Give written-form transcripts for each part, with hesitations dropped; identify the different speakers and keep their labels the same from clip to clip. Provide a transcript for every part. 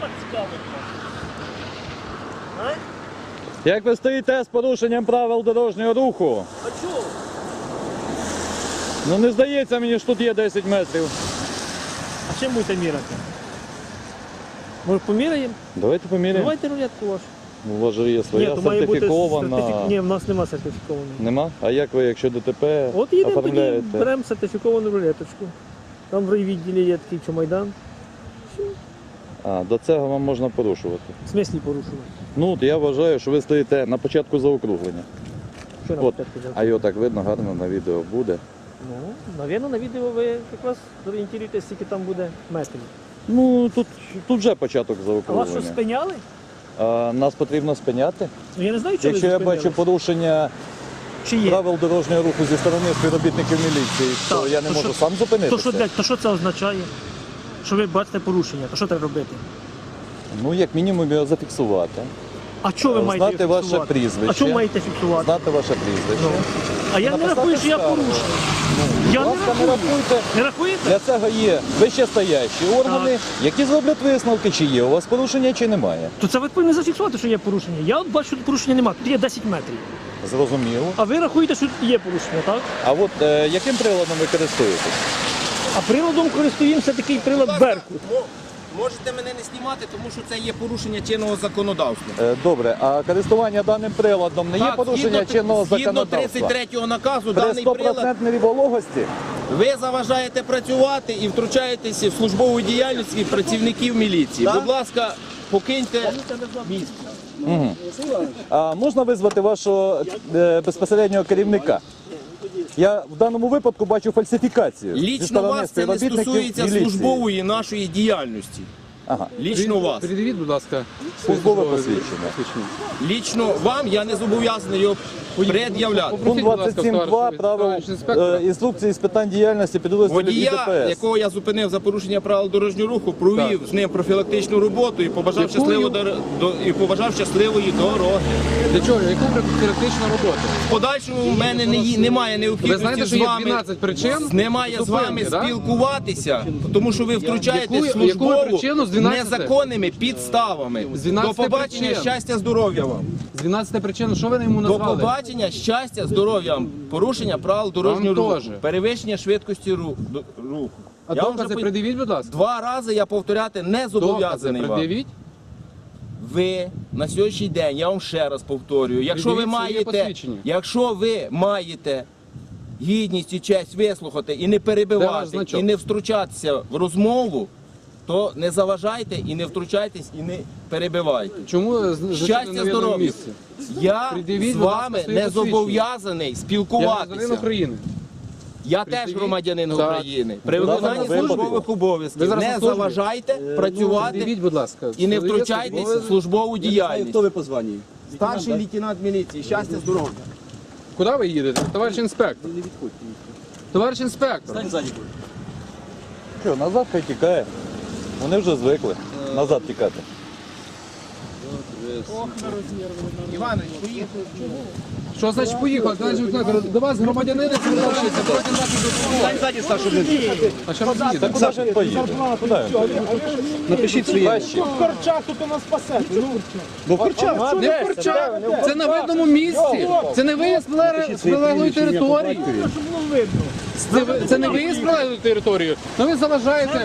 Speaker 1: цікавить. А?
Speaker 2: Як ви стоїте з порушенням правил дорожнього руху?
Speaker 1: А чого?
Speaker 2: Ну не здається мені, що тут є 10 метрів.
Speaker 1: А чим будете міряти? Може поміряємо?
Speaker 2: Давайте поміряємо.
Speaker 1: Давайте рулетку вашу.
Speaker 2: У вас же є своя
Speaker 1: то має бути
Speaker 2: сертифікована.
Speaker 1: Ні, в нас нема сертифікованої.
Speaker 2: Нема? А як ви, якщо ДТП
Speaker 1: От їдемо тоді,
Speaker 2: оформляєте?
Speaker 1: беремо сертифіковану рулеточку. Там в райвідділі є такий чомайдан.
Speaker 2: А, до цього вам можна порушувати.
Speaker 1: В смислі порушувати.
Speaker 2: Ну, от я вважаю, що ви стоїте на початку заокруглення.
Speaker 1: Що нам
Speaker 2: От.
Speaker 1: початку взяти?
Speaker 2: А його так видно, гарно на відео буде.
Speaker 1: Ну, навірно, на відео ви якраз зорієнтуєтесь, скільки там буде метрів.
Speaker 2: Ну, тут вже початок
Speaker 1: А вас що,
Speaker 2: заокруглення.
Speaker 1: спиняли?
Speaker 2: А, нас потрібно спиняти.
Speaker 1: Ну я не знаю, чого
Speaker 2: Якщо
Speaker 1: ви
Speaker 2: я
Speaker 1: зупинились.
Speaker 2: бачу порушення
Speaker 1: Чи є?
Speaker 2: правил дорожнього руху зі сторони співробітників міліції, то
Speaker 1: Так,
Speaker 2: я не
Speaker 1: то
Speaker 2: можу
Speaker 1: що-
Speaker 2: сам зупинитися.
Speaker 1: То що це означає? Що ви бачите порушення, то що треба робити?
Speaker 2: Ну, як мінімум його зафіксувати.
Speaker 1: А що ви маєте
Speaker 2: Знати ваше
Speaker 1: фіксувати?
Speaker 2: прізвище.
Speaker 1: А що маєте фіксувати?
Speaker 2: Знати ваше прізвище.
Speaker 1: А я не
Speaker 2: Написати
Speaker 1: рахую, що я
Speaker 2: скаргу.
Speaker 1: порушую.
Speaker 2: Будь
Speaker 1: Я не
Speaker 2: ласка, не
Speaker 1: рахую.
Speaker 2: рахуйте.
Speaker 1: Не рахуєте?
Speaker 2: Для цього є вищестоящі органи, які зроблять висновки, чи є у вас порушення, чи немає.
Speaker 1: То це ви повинні зафіксувати, що є порушення. Я от бачу, що тут порушення немає. Тут є 10 метрів.
Speaker 2: Зрозуміло.
Speaker 1: А ви рахуєте, що тут є порушення, так?
Speaker 2: А от яким приладом ви користуєтесь?
Speaker 1: А приладом користуємося такий прилад Беркут.
Speaker 3: Можете мене не знімати, тому що це є порушення чинного законодавства.
Speaker 2: Добре, а користування даним приладом не є порушення чинного
Speaker 3: згідно
Speaker 2: законодавства?
Speaker 3: 33-го наказу,
Speaker 2: При
Speaker 3: даний прилад
Speaker 2: 100% вологості?
Speaker 3: ви заважаєте працювати і втручаєтеся в службову діяльність працівників міліції. Будь ласка, покиньте місце.
Speaker 2: А можна визвати вашого безпосереднього керівника? Я в даному випадку бачу фальсифікацію. зі
Speaker 3: Лічно
Speaker 2: сторони
Speaker 3: вас це не
Speaker 2: співробітників
Speaker 3: стосується
Speaker 2: міліції.
Speaker 3: службової нашої діяльності.
Speaker 2: Ага.
Speaker 3: Лічно вас.
Speaker 4: Передивіть, будь ласка,
Speaker 2: Службове посвідчення.
Speaker 3: Лічно вам я не зобов'язаний його пред'являти.
Speaker 2: Пункт 27.2 правил інструкції з питань діяльності підрозділів
Speaker 3: Водія,
Speaker 2: ІДПС.
Speaker 3: якого я зупинив за порушення правил дорожнього руху, провів з ним профілактичну роботу і побажав, щасливої дороги.
Speaker 4: Для чого? Яку практичну роботу?
Speaker 3: В подальшому в мене немає
Speaker 4: Ви
Speaker 3: необхідності
Speaker 4: знаєте, що
Speaker 3: з
Speaker 4: є
Speaker 3: вами
Speaker 4: 12 причин?
Speaker 3: немає з вами
Speaker 4: зупинки, да?
Speaker 3: спілкуватися, тому що ви втручаєтесь в
Speaker 4: Яку
Speaker 3: службову
Speaker 4: причину з 12?
Speaker 3: незаконними підставами.
Speaker 4: З 12
Speaker 3: До побачення,
Speaker 4: причин. щастя,
Speaker 3: здоров'я вам.
Speaker 4: З 12 причин, що ви йому
Speaker 3: До
Speaker 4: назвали?
Speaker 3: побачення, щастя, здоров'я вам. Порушення правил дорожнього
Speaker 4: Вам
Speaker 3: руху.
Speaker 4: теж.
Speaker 3: Перевищення швидкості руху.
Speaker 4: А
Speaker 3: Я вам
Speaker 4: докази
Speaker 3: вже
Speaker 4: пред'явіть, будь ласка.
Speaker 3: 2 рази я повторяти не
Speaker 4: Докази
Speaker 3: зобов'язаний вам.
Speaker 4: пред'явіть.
Speaker 3: Ви на сьогоднішній день, я вам ще раз повторюю, якщо ви
Speaker 4: Пред'явіть своє посвідчення.
Speaker 3: маєте гідність і честь вислухати і не
Speaker 4: Де ваш
Speaker 3: перебивати,
Speaker 4: значок?
Speaker 3: і не втручатися в розмову, то не заважайте і не втручайтесь, і не перебивайте.
Speaker 4: Чому
Speaker 3: Щастя, здоров'я. Я
Speaker 4: Пред'явіть,
Speaker 3: з
Speaker 4: будь ласка,
Speaker 3: вами
Speaker 4: своє
Speaker 3: не
Speaker 4: посвідчення.
Speaker 3: зобов'язаний
Speaker 4: Я громадянин
Speaker 3: спілкуватися.
Speaker 4: України.
Speaker 3: Я теж
Speaker 4: Пред'явіть.
Speaker 3: громадянин
Speaker 4: Так.
Speaker 3: України. При
Speaker 2: В даному
Speaker 3: виконанні
Speaker 2: випадку.
Speaker 3: службових
Speaker 4: Ви
Speaker 3: обов'язків
Speaker 4: зараз на
Speaker 3: не
Speaker 4: службі?
Speaker 3: заважайте працювати
Speaker 4: Пред'явіть, будь ласка.
Speaker 3: і не
Speaker 4: Своє
Speaker 3: втручайтесь
Speaker 4: службове-
Speaker 3: в службову діяльність.
Speaker 5: Хто ви по званні?
Speaker 3: Старший лейтенант міліції, щастя, здоров'я.
Speaker 4: Куди ви їдете? Товариш інспектор. Товариш інспектор.
Speaker 2: Що, назад хай тікає. Вони вже звикли назад тікати.
Speaker 3: Іванович, поїхали.
Speaker 4: Що значить поїхали? Товариш інспектор, до вас громадянини звертаються. Давайте нас допомогти. А що робити?
Speaker 2: Та куди ж він поїде? Куди він поїде?
Speaker 5: Напишіть своє.
Speaker 2: Краще.
Speaker 5: Бо Корчак.
Speaker 4: Не в Корчах. Це на видному місці. Це не виїзд з прилеглої території. Це не виїзд з прилеглої території. Ну ви заважаєте.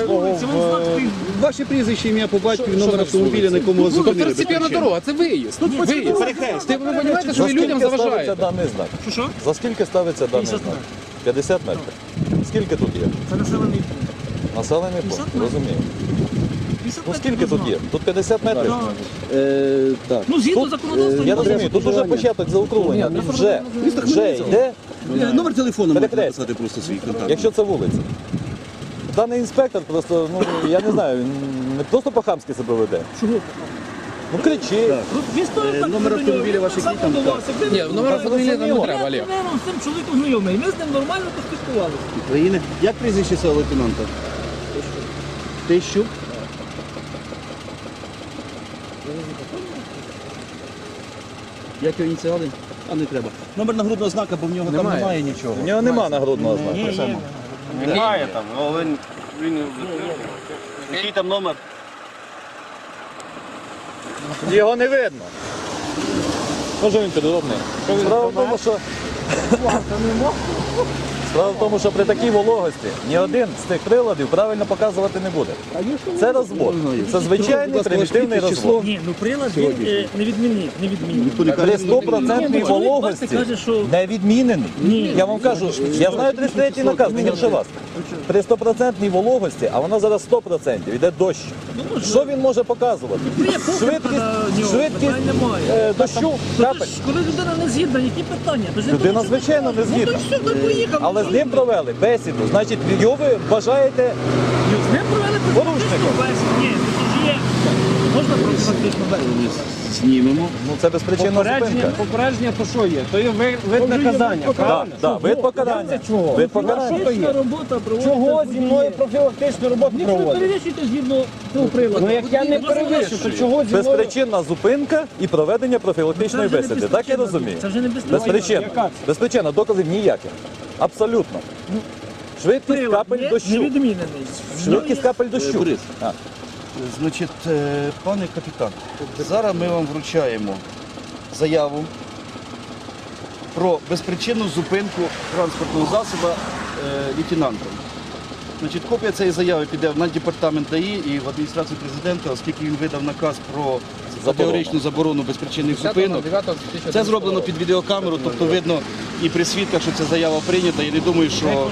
Speaker 5: Ваше прізвище, ім'я по батькові, номер автомобіля, на якому вас
Speaker 4: Тобто
Speaker 5: зупинили.
Speaker 4: второстепенна дорога, це виїзд. Виїзд. Ви розумієте, що
Speaker 2: За
Speaker 4: ви людям
Speaker 2: скільки ставиться
Speaker 4: заважаєте?
Speaker 2: даний знак?
Speaker 1: Що?
Speaker 2: За скільки ставиться даний
Speaker 1: 50
Speaker 2: знак? 50 метрів. Скільки тут є?
Speaker 1: Це населений пункт.
Speaker 2: Населений пункт,
Speaker 1: 50 метрів.
Speaker 2: розумію.
Speaker 1: 50
Speaker 2: Ну
Speaker 1: метрів
Speaker 2: скільки
Speaker 1: до
Speaker 2: тут є?
Speaker 1: знаку.
Speaker 2: Тут 50 метрів?
Speaker 5: Так.
Speaker 1: Ну, згідно
Speaker 2: Тут,
Speaker 1: законодавства,
Speaker 2: я розумію, тут вже початок заокруглення. Тут вже йде,
Speaker 5: Номер телефону можна
Speaker 2: Перекрест.
Speaker 5: написати просто свій контакт.
Speaker 2: якщо це вулиця. Даний інспектор просто, ну я не знаю, він не просто по-хамськи себе веде.
Speaker 1: Чого?
Speaker 2: Ну кричить.
Speaker 1: Він стоїть так,
Speaker 5: Номер
Speaker 1: до нього,
Speaker 5: автомобіля
Speaker 1: він
Speaker 5: ваших
Speaker 1: сам
Speaker 5: який там?
Speaker 1: подавався, ви-
Speaker 4: Ні, номер автомобіля там не треба,
Speaker 1: Я
Speaker 4: Олег.
Speaker 1: з цим чоловіком знайомий, ми з ним нормально поспілкувалися.
Speaker 5: України. Як прізвище цього лейтенанта? Тищук. Як його ініціали? А не треба. Номер нагрудного знака, бо в нього там
Speaker 4: Немає.
Speaker 5: немає нічого.
Speaker 2: У нього нема нагрудного знаку.
Speaker 5: Немає там, але він... Який там номер?
Speaker 2: Його не видно. Може він підробний. Справа в тому, що... Справа в тому, що при такій вологості ні один з цих приладів правильно показувати не буде. Це розвод. Це звичайний примітивний розвод.
Speaker 1: Ні, ну прилад він не відмінив.
Speaker 2: При 100% вологості не відмінений. Я вам кажу, я знаю 33-й наказ, не гірше вас. При 100% вологості, а вона зараз 100%, йде дощ. Що він може показувати? Швидкість дощу, капель.
Speaker 1: Коли людина не згідна, які питання?
Speaker 2: Людина, звичайно, не згідна. Але з ним провели бесіду. Значить, його ви вважаєте
Speaker 1: З ним провели профілактичну бесіду. Ні, це ж є. Можна профілактичну бесіду?
Speaker 5: Знімемо.
Speaker 2: ну це безпричинна зупинка.
Speaker 6: Попередження то що є? То є вид наказання, правильно?
Speaker 2: Так, вид покарання.
Speaker 6: Чого?
Speaker 2: Вид покарання.
Speaker 1: Профілактична робота проводиться.
Speaker 6: Чого зі мною профілактичну роботу
Speaker 1: Якщо ви
Speaker 6: проводить?
Speaker 1: перевищуєте згідно цього приладу.
Speaker 6: Ну як я не перевищу, то чого зі мною?
Speaker 2: Безпричинна зупинка і проведення профілактичної
Speaker 1: Це вже не
Speaker 2: бесіди. Так я
Speaker 1: безпричинна
Speaker 2: розумію?
Speaker 1: Це вже не безпричинна.
Speaker 2: Безпричинна.
Speaker 6: Яка це?
Speaker 2: Безпричинна, доказів ніяких. Абсолютно. Швидкість
Speaker 1: Прилад
Speaker 2: капель
Speaker 1: є
Speaker 2: дощу.
Speaker 1: невідмінений.
Speaker 2: Швидкість капель дощу.
Speaker 5: Борис.
Speaker 2: А.
Speaker 5: Значить, пане капітан, зараз ми вам вручаємо заяву про безпричинну зупинку транспортного засобу лейтенантом. Значить, копія цієї заяви піде на департамент ДАІ і в адміністрацію президента, оскільки він видав наказ про категоричну заборону безпричинних зупинок. Це зроблено під відеокамеру, тобто видно і при свідках, що ця заява прийнята. Я не думаю, що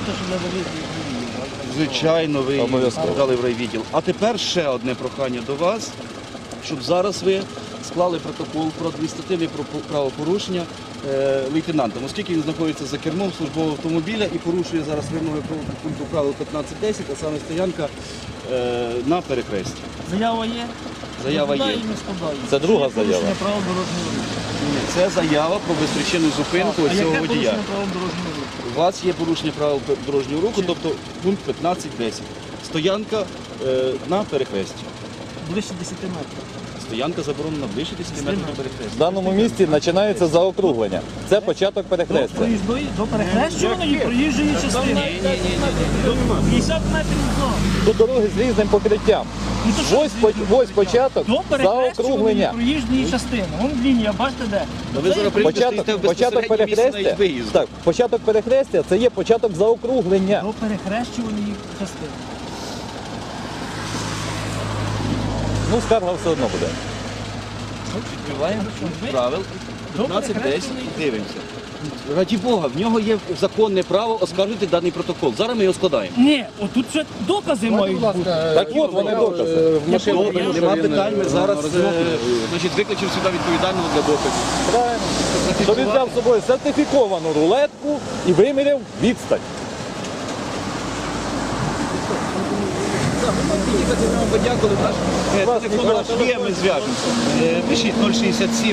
Speaker 5: звичайно ви її
Speaker 2: Обов'язково.
Speaker 5: дали в райвідділ. А тепер ще одне прохання до вас, щоб зараз ви склали протокол про адміністративне правопорушення лейтенантом, оскільки він знаходиться за кермом службового автомобіля і порушує зараз вимоги пункту правил 15.10, а саме стоянка на перехресті.
Speaker 1: Заява є?
Speaker 5: Заява є.
Speaker 1: Складає і не складає.
Speaker 2: Це друга
Speaker 1: Є порушення
Speaker 2: заява.
Speaker 1: правил дорожнього руху.
Speaker 5: Це заява про безпричинну зупинку
Speaker 1: А
Speaker 5: цього
Speaker 1: яке
Speaker 5: водія.
Speaker 1: порушення правил дорожнього руху?
Speaker 5: У вас є порушення правил дорожнього руху, тобто пункт 15.10. Стоянка на перехресті.
Speaker 1: Ближче 10 метрів.
Speaker 5: Стоянка заборонена ближче 10 метрів до перехрестя.
Speaker 2: В даному місці починається заокруглення. Це початок
Speaker 1: До
Speaker 2: перехрестя.
Speaker 1: проїзної, до перехрещуваної проїжджої частини. 50 метрів зону.
Speaker 2: Тут дороги з різним покриттям.
Speaker 1: Ну, то що
Speaker 2: Ось початок
Speaker 1: до перехрещуваної
Speaker 2: заокруглення.
Speaker 1: проїжджої частини. Вон лінія, бачите де?
Speaker 5: Ви зараз прийдете, стоїте в
Speaker 2: Початок
Speaker 5: безпосередньому місці навіть
Speaker 2: перехрестя.
Speaker 5: виїзду.
Speaker 2: Так, початок перехрестя це є початок заокруглення.
Speaker 1: До перехрещуваної частини.
Speaker 2: Ну, скарга все одно буде.
Speaker 5: Відкриваємо пункт правил 15.10 і дивимося. Раді Бога, в нього є законне право оскаржити даний протокол. Зараз ми його складаємо.
Speaker 1: Ні, отут ще докази мають бути.
Speaker 2: Так от вони докази.
Speaker 5: Добре, нема питань, ми зараз значить, викличемо сюди відповідального для доказів.
Speaker 2: Правильно. Що він взяв з собою сертифіковану рулетку і виміряв відстань.
Speaker 5: Їхати нам подякували, наш телефон наш є, ми зв'яжемося. Пишіть 067.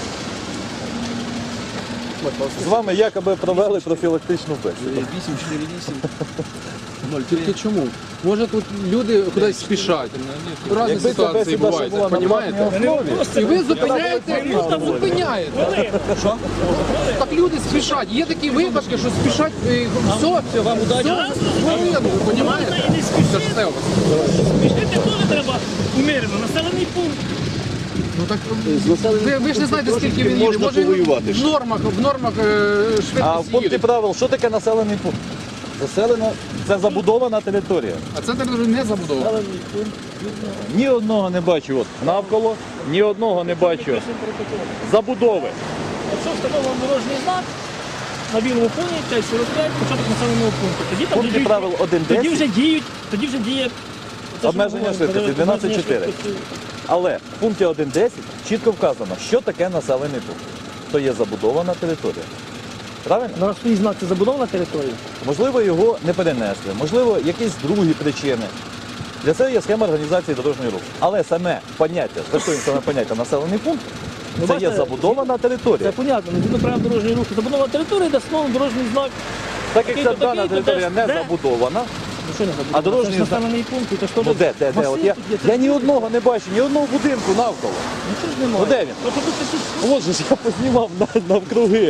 Speaker 2: З вами якоби провели профілактичну бесіду.
Speaker 5: 848.
Speaker 4: Тільки чому? Може тут люди кудись спішать. Разні
Speaker 2: Якби ця
Speaker 4: ситуації
Speaker 2: бесіда ще
Speaker 4: бувають,
Speaker 2: була на
Speaker 4: розумієте?
Speaker 2: платній основі,
Speaker 4: І ви зупиняєте, зупиняєте.
Speaker 5: Що?
Speaker 4: Так люди спішать. Є такі випадки, що спішать, все, вам удачі. Ви розумієте?
Speaker 1: І не
Speaker 4: Це ж все у вас.
Speaker 1: спішити теж треба умірено. Населений пункт.
Speaker 4: Ну так ви ж не знаєте, скільки він їде.
Speaker 5: Можна
Speaker 4: Може
Speaker 5: повоювати
Speaker 4: в
Speaker 5: ж.
Speaker 4: нормах
Speaker 2: А в
Speaker 4: швидкість
Speaker 2: пункті
Speaker 4: їде.
Speaker 2: правил, що таке населений пункт? Заселена, це забудована територія.
Speaker 4: А це територія не забудована.
Speaker 2: Ні одного не бачу от навколо, ні одного не бачу забудови.
Speaker 1: Якщо встановлено дорожній знак на білому фоні, 545, початок населеного пункту. Тоді
Speaker 2: В
Speaker 1: там
Speaker 2: пункті правил
Speaker 1: тоді вже діє це, що
Speaker 2: Обмеження
Speaker 1: ми говоримо,
Speaker 2: швидкості,
Speaker 1: обмеження
Speaker 2: 12,4.
Speaker 1: швидкості.
Speaker 2: Але в пункті 1.10 чітко вказано, що таке населений пункт. То є забудована територія. Правильно?
Speaker 1: На свій знак це забудована територія.
Speaker 2: Можливо, його не перенесли, можливо, якісь другі причини. Для цього є схема організації дорожнього руху. Але саме поняття, стосуємо саме поняття населений пункт, це є
Speaker 1: бачите,
Speaker 2: забудована територія.
Speaker 1: Це понятно, не згідно правил дорожнього руху. Забудована територія, де встановлений дорожній знак.
Speaker 2: Так як ця
Speaker 1: такий-то,
Speaker 2: дана
Speaker 1: такий-то,
Speaker 2: територія
Speaker 1: де-
Speaker 2: не
Speaker 1: де?
Speaker 2: забудована,
Speaker 1: Ну, що не забудовано?
Speaker 2: А дорожній
Speaker 1: Це ж
Speaker 2: знак?
Speaker 1: населений пункт, це ж теж
Speaker 2: ну де? От
Speaker 1: масив
Speaker 2: я,
Speaker 1: тут є, це
Speaker 2: я ні одного не бачу, ні одного будинку навколо.
Speaker 1: Нічого ж немає.
Speaker 2: Ну, де він?
Speaker 1: Тобто тут такі
Speaker 2: От же ж я познімав навкруги.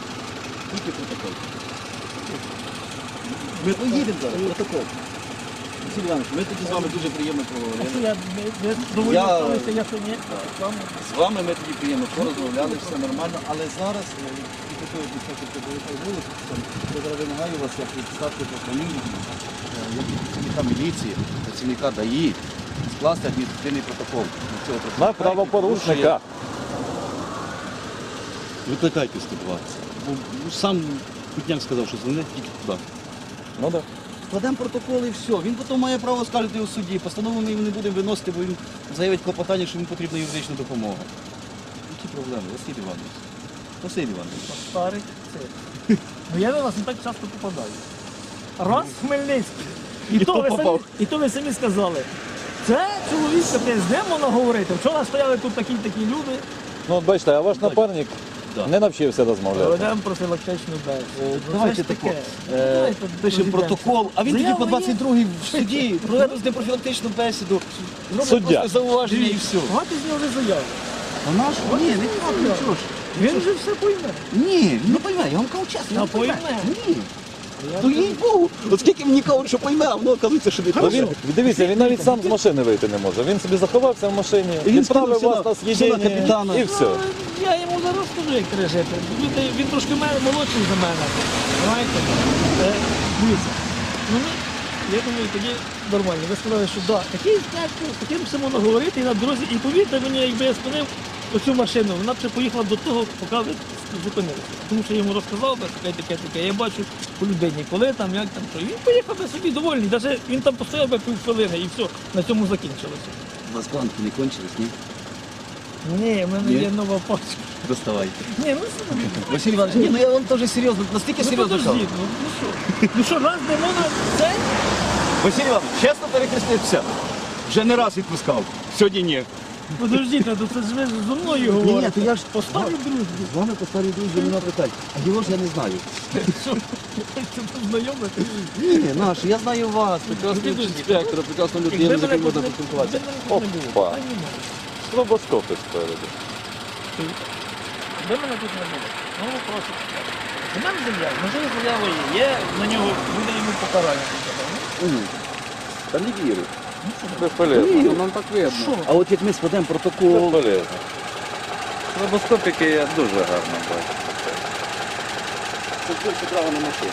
Speaker 5: Ми поїдемо зараз, протокол. Василь Іванович, ми тоді з вами дуже приємно
Speaker 1: Що
Speaker 5: поговорили.
Speaker 1: я не доволі
Speaker 5: Я-
Speaker 1: ставлюся, я що ні.
Speaker 5: З вами ми тоді приємно порозмовляли, все нормально, але зараз і такої десятки великої вулиці, я зараз вимагаю вас, як відставки по фамілії, як працівника міліції, працівника ДАІ, скласти адміністративний протокол на цього
Speaker 2: На
Speaker 5: працівника.
Speaker 2: правопорушника.
Speaker 5: Викликайте 120. Бо сам Кутняк сказав, що дзвонить тільки туди.
Speaker 2: Ну так.
Speaker 5: Складемо протокол і все. Він потім має право скаржити у суді. Постанову ми не будемо виносити, бо він заявить клопотання, що йому потрібна юридична допомога. Які проблеми, Василь Іванович? Василь Іванович.
Speaker 1: Старий це. Ну я на вас не так часто попадаю. Раз в Хмельницький. І то ви самі сказали. Це чоловік капець, де можна говорити? Вчора стояли тут такі люди.
Speaker 2: Ну от бачите, а ваш напарник
Speaker 5: Да.
Speaker 2: не навчився розмовляти.
Speaker 1: Ведемо профілактичну бесіду.
Speaker 5: Давайте тако. Пишемо протокол, а він тоді по 22-й в суді проведе з ним профілактичну бесіду, зробить
Speaker 2: Суддя.
Speaker 5: просто зауваження і все.
Speaker 1: Багато з нього вже заяви.
Speaker 5: А наш? Ні, не так, нічого ж.
Speaker 1: Він вже все пойме.
Speaker 5: Ні, він не пойме, я вам кажу чесно.
Speaker 1: Та
Speaker 5: не пойме.
Speaker 1: пойме.
Speaker 5: Ні. То їй Богу. От скільки мені кажуть, що пойме, а воно оказується, що не
Speaker 2: Ну, він, дивіться, він навіть сам з машини вийти не може. Він собі заховався в машині,
Speaker 5: І він
Speaker 2: відправив
Speaker 5: скинув
Speaker 2: вас на
Speaker 5: все на
Speaker 2: з'їдення
Speaker 5: капітана.
Speaker 2: і все.
Speaker 1: Ну, я йому зараз скажу, як треба жити. Він трошки молодший за мене. Знаєте? Дивіться. Ну, я думаю, тоді нормально. Ви сказали, що да, такий дядько, таким все можна говорити і на дорозі. І повірте мені, якби я спинив оцю машину, вона б ще поїхала до того, поки ви зупинилися. Тому що я йому розказав би таке. Я бачу по людині, коли там, як там, що. І він поїхав би собі довольний. Навіть він там постояв би півхвилини і все, на цьому закінчилося.
Speaker 5: У вас планки не кончились, ні?
Speaker 1: Ні, в мене
Speaker 5: Ні?
Speaker 1: є нова пачка.
Speaker 5: Доставайте.
Speaker 1: Ні, ну що?
Speaker 5: Василь Іванович, ні, ну я вам теж серйозно, настільки
Speaker 1: Ну
Speaker 5: серйозно кажу.
Speaker 1: подожди, ну що? Ну що, раз не можна це?
Speaker 5: Василь Іванович, чесно перехрестився. Вже не раз відпускав. Сьогодні ні.
Speaker 1: Подождіть, то це ж ви зі мною говорите.
Speaker 5: то я ж
Speaker 1: Поставлю дружбу.
Speaker 5: З вами по старій дружбі нема питань. А його ж я не знаю.
Speaker 1: Що? Це знайомити?
Speaker 5: Ні, наш, я знаю вас. Прекрасний інспектор, прекрасна людина, з якою можна поспілкуватися.
Speaker 2: Опа. Стробоскопи спереду.
Speaker 1: Де мене тут не було? Ну, просто. У мене земля, можливо, заява є, на нього буде йому покарання.
Speaker 5: Та не вірю.
Speaker 2: Безполезно.
Speaker 4: Нам так видно.
Speaker 1: Що?
Speaker 5: А от як ми складемо протокол,
Speaker 2: Безполезно. Стробоскопики я дуже гарно бачу.
Speaker 5: це більше право на машину.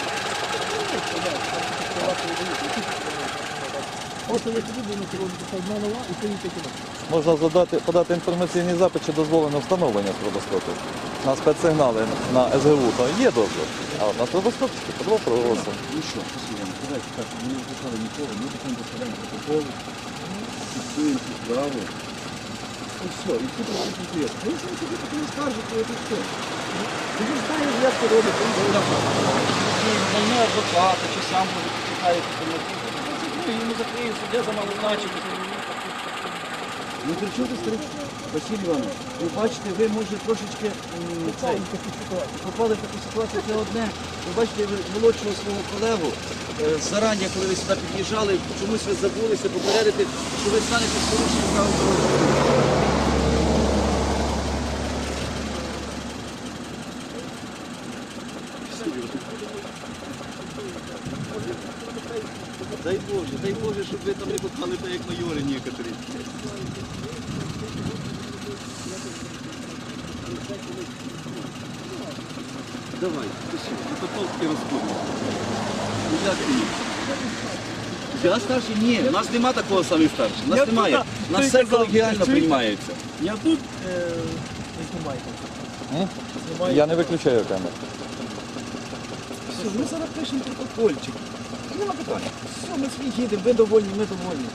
Speaker 1: Ось я тобі думаю, що одна нова і поїхати туди.
Speaker 2: Можна подати інформаційний запит, чи дозволено встановлення стробоскопів. На спецсигнали на СГУ то є дозвіл, а от на стробоскопчики то просимо.
Speaker 5: Ну що, послухаємо, давайте так, ми не впускали нікого, ми потім доставляємо протокол, фіксуємо цю справу. І все, і всі працюють. Ви самі собі потім скаржите, і все. Ви ж знаєте, як це робить, він наймає адвоката, чи сам може почекає йому закриє суддя за малозначення. Ну при чому тут старий? Василь Іванович, ви бачите, ви може трошечки попали в таку ситуацію, це одне. Ви бачите, ви молодшого свого колегу зарані, коли ви сюди під'їжджали, чомусь ви забулися попередити, що ви станете з порушенням правил дорожнього руху. Дай Боже, щоб ви там не попали так, як майори некоторі. Давай, пиши, потолки розходимо. Ну як ні? Я старший? Ні, у нас нема такого самий старший. У нас
Speaker 1: Я
Speaker 5: немає.
Speaker 1: туди,
Speaker 5: У нас
Speaker 1: той
Speaker 5: все
Speaker 1: казав,
Speaker 5: колегіально
Speaker 1: чуєте?
Speaker 5: приймається.
Speaker 1: Я тут не знімайте.
Speaker 2: Я не виключаю камеру.
Speaker 5: Все, ми зараз пишемо протокольчик. Нема питання. Все, ми свій їдемо, ви довольні, ми довольні.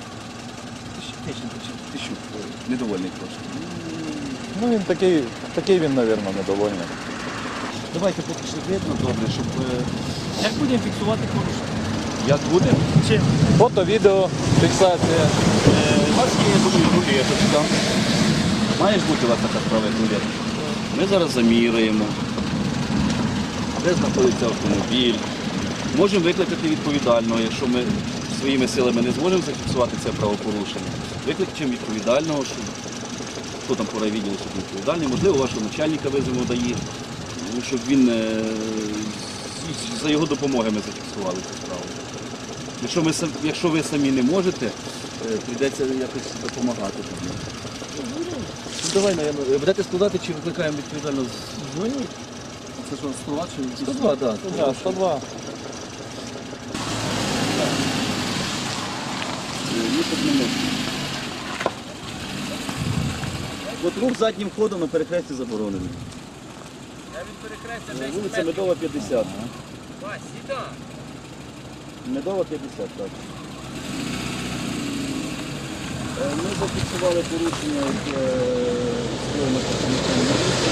Speaker 5: Ти що, недовольний трошки.
Speaker 2: Ну він такий він, мабуть, недовольний.
Speaker 5: Давайте поки що видно добре, щоб...
Speaker 1: Як будемо фіксувати порушення?
Speaker 5: Як буде?
Speaker 1: Чим?
Speaker 2: Фото, відео, фіксація.
Speaker 5: У вас є, я думаю, рулеточка. Має ж бути у вас така справа, як рулетка. Ми зараз заміряємо, де знаходиться автомобіль. Можемо викликати відповідального, якщо ми своїми силами не зможемо зафіксувати це правопорушення. Викличемо відповідального, хто там по райвідділу, щоб відповідальний. Можливо, вашого начальника визовемо дає, щоб він за його допомогою ми зафіксували цю справу. Якщо ви самі не можете, прийдеться якось допомагати. Давай, наверное, будете складати чи викликаємо відповідально? Дзвоніть. Це що, 102 чи 102, так.
Speaker 2: 102.
Speaker 5: От рух заднім ходом на перехресті заборонений. Вулиця Медова, 50. Медова, 50, так. Ми зафіксували порушення скоєно працівниками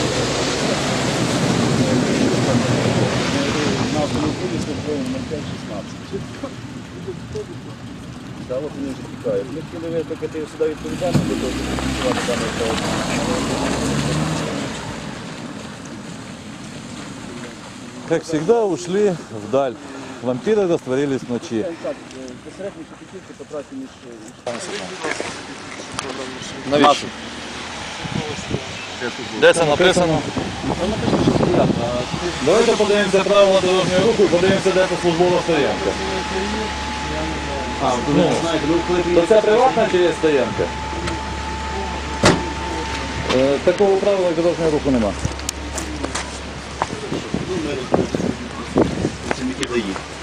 Speaker 5: на автомобілі службовим 0516. Так, от вони вже тікають. Ми хотіли викликати сюди відповідальність, для того, щоб фіксувати даний правопорушення.
Speaker 2: Как всегда, ушли вдаль. Вампиры растворились в ночи.
Speaker 5: Так, безсередньо Шепетівки по трасі між...
Speaker 2: Навіщо? Де це написано? Давайте подивимося правила дорожнього руху і подивимося, де це службова стоянка. То це приватна чи є стоянка? Такого правила дорожнього руху нема.
Speaker 5: Працівники ДАІ.